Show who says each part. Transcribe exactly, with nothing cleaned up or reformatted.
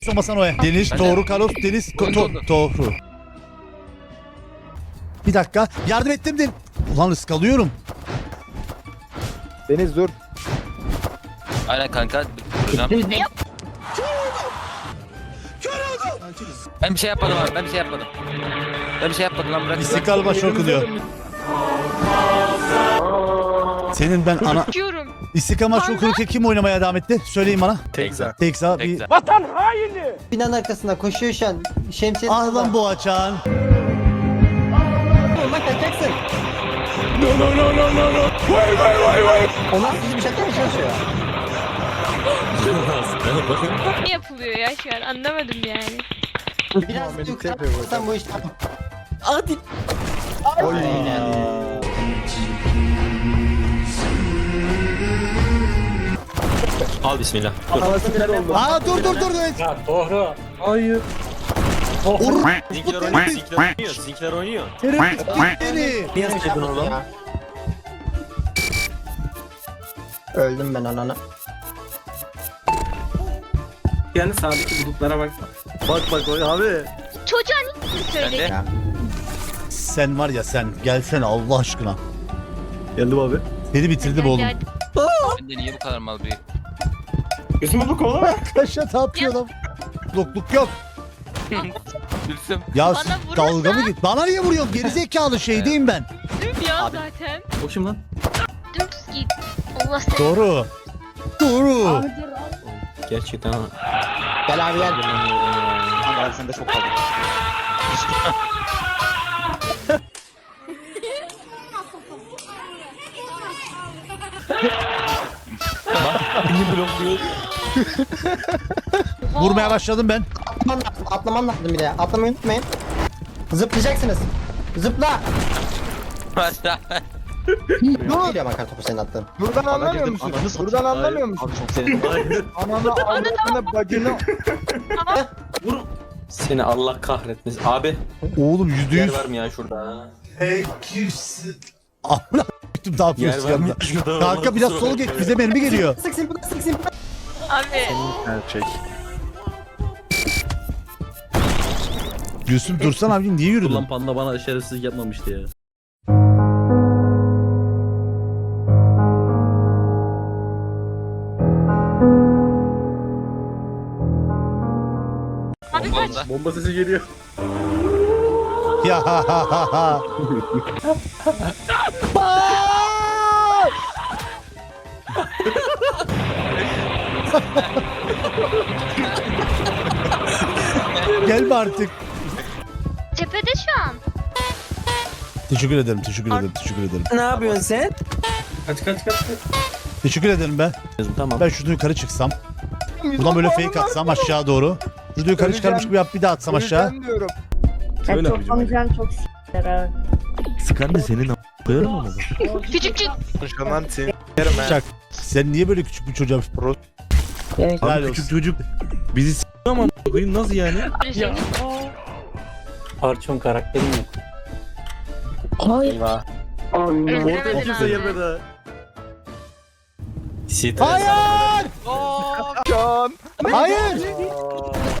Speaker 1: Somasan oya. Deniz,
Speaker 2: Ben
Speaker 1: Tohru,
Speaker 2: de-
Speaker 1: Karos, Deniz,
Speaker 2: Oyun
Speaker 1: to
Speaker 2: oldu.
Speaker 1: Tohru. Bir dakika. Yardım ettim de. Ulan ıskalıyorum.
Speaker 3: Deniz dur.
Speaker 2: Aynen kanka. Duracağım. Ben bir şey yapmadım abi. Ben bir şey yapmadım. Ben bir şey yapmadım lan, bırak.
Speaker 1: İstiklal başı okuluyor. Senin ben ana...
Speaker 4: Diyorum.
Speaker 1: İstiklal maçı okurken kim oynamaya devam etti? Söyleyin bana.
Speaker 2: Tekza.
Speaker 1: Tekza bir...
Speaker 2: Tekza.
Speaker 5: Binanın arkasında koşuyor şu an. Şemsiye.
Speaker 1: Ah lan bu açan.
Speaker 5: Bak kaçacaksın. Onlar sizi bir şaka mı çalışıyor?
Speaker 4: Ne yapılıyor ya şu an anlamadım yani.
Speaker 5: Biraz
Speaker 3: Muhammed'i
Speaker 5: yukarı
Speaker 3: yapıyor bu.
Speaker 5: sen bu işte.
Speaker 3: Oy.
Speaker 6: Al bismillah.
Speaker 3: Anası ter oldu.
Speaker 1: Aa dur dur dur. Evet.
Speaker 6: Ya Tohru.
Speaker 3: Hayır.
Speaker 1: Or
Speaker 6: Sizinkiler oynuyor, sizinkiler oynuyor, sizinkiler oynuyor.
Speaker 1: terörist beni.
Speaker 6: Niye sıkıldın oğlum?
Speaker 5: Öldüm ben anana.
Speaker 7: Yani sağdaki bulutlara bak.
Speaker 3: Bak bak oy abi.
Speaker 4: Çocuğa ne
Speaker 2: Ben
Speaker 4: söyledin?
Speaker 2: de.
Speaker 1: Sen var ya sen gelsene Allah aşkına.
Speaker 3: Geldim abi.
Speaker 1: Seni bitirdim oğlum.
Speaker 4: Geldi.
Speaker 2: Ben de niye bu kadar mal bir...
Speaker 7: Gözümü bu kovalama.
Speaker 1: Kaşa tapıyor lan. Lokluk yok.
Speaker 2: Gülsüm.
Speaker 1: Ya
Speaker 4: Bana
Speaker 1: s-
Speaker 4: vurursa-
Speaker 1: dalga mı git? Bana niye vuruyorsun? Gerizekalı şeydeyim ben.
Speaker 4: Düm ya zaten.
Speaker 7: O kim lan?
Speaker 4: Dümdüz git. Allah seni.
Speaker 1: Doğru. Doğru.
Speaker 6: Gerçekten
Speaker 5: Gel abi gel.
Speaker 6: ben sende çok kaldım. Beni blokluyor.
Speaker 1: Vurmaya başladım ben.
Speaker 5: Atlaman lazım. Atlaman lazım bir de. Atlamayı unutmayın. Zıplayacaksınız. Zıpla. Geliyor bakar topu senin attığın.
Speaker 3: Buradan anlamıyor musun? Buradan anlamıyor musun?
Speaker 6: Abi çok sevindim.
Speaker 3: Ananı avradını bacını.
Speaker 6: Seni Allah kahretmesin. Abi
Speaker 1: Oğlum yüzde
Speaker 6: yer
Speaker 1: yüz.
Speaker 6: var mı ya şurada?
Speaker 1: Kimsin? Amına ne
Speaker 6: Yer
Speaker 1: yapıyorsun
Speaker 6: var mı
Speaker 1: yanında?
Speaker 6: şurada?
Speaker 1: Kanka biraz sol geç bize mermi geliyor.
Speaker 5: Sık simpına sık simpına.
Speaker 4: Abi.
Speaker 3: Gerçek.
Speaker 1: Gülsüm dursan abi niye yürüdün?
Speaker 7: Ulan panda bana şerefsizlik yapmamıştı ya.
Speaker 4: Abi
Speaker 2: Bomba
Speaker 4: kaç.
Speaker 2: onda.
Speaker 7: Bomba sesi geliyor.
Speaker 1: Ya ha ha ha ha. Gelme artık.
Speaker 4: Cephede şu an.
Speaker 1: Teşekkür ederim, teşekkür ederim, teşekkür ederim.
Speaker 6: Ne yapıyorsun sen?
Speaker 7: Kaç kaç kaç.
Speaker 1: Teşekkür ederim ben.
Speaker 6: Tamam.
Speaker 1: Ben şurada yukarı çıksam. Buradan böyle fake atsam aşağı doğru. Şurada yukarı çıkarmış gibi yap bir daha atsam aşağı.
Speaker 3: Öleceğim diyorum.
Speaker 7: Söyle
Speaker 8: çok
Speaker 7: abicim.
Speaker 8: amcan çok s**ler ha.
Speaker 9: Sıkan da senin a** koyarım ama.
Speaker 4: Küçükçük.
Speaker 3: Konuşamam seni. Yerim ha.
Speaker 1: Çak. Sen niye böyle küçük bir çocuğa
Speaker 8: Evet.
Speaker 1: Helal
Speaker 9: Abi küçük
Speaker 1: olsun.
Speaker 9: çocuk bizi s*** ama koyayım nasıl yani?
Speaker 4: Ya.
Speaker 6: Parçam karakterim yok.
Speaker 8: Hayır.
Speaker 6: Eyvah.
Speaker 7: Orada
Speaker 4: Özlemedin
Speaker 7: kimse
Speaker 4: abi.
Speaker 7: gelmedi ha.
Speaker 6: Stres.
Speaker 1: Hayır!
Speaker 3: Can.
Speaker 1: Hayır!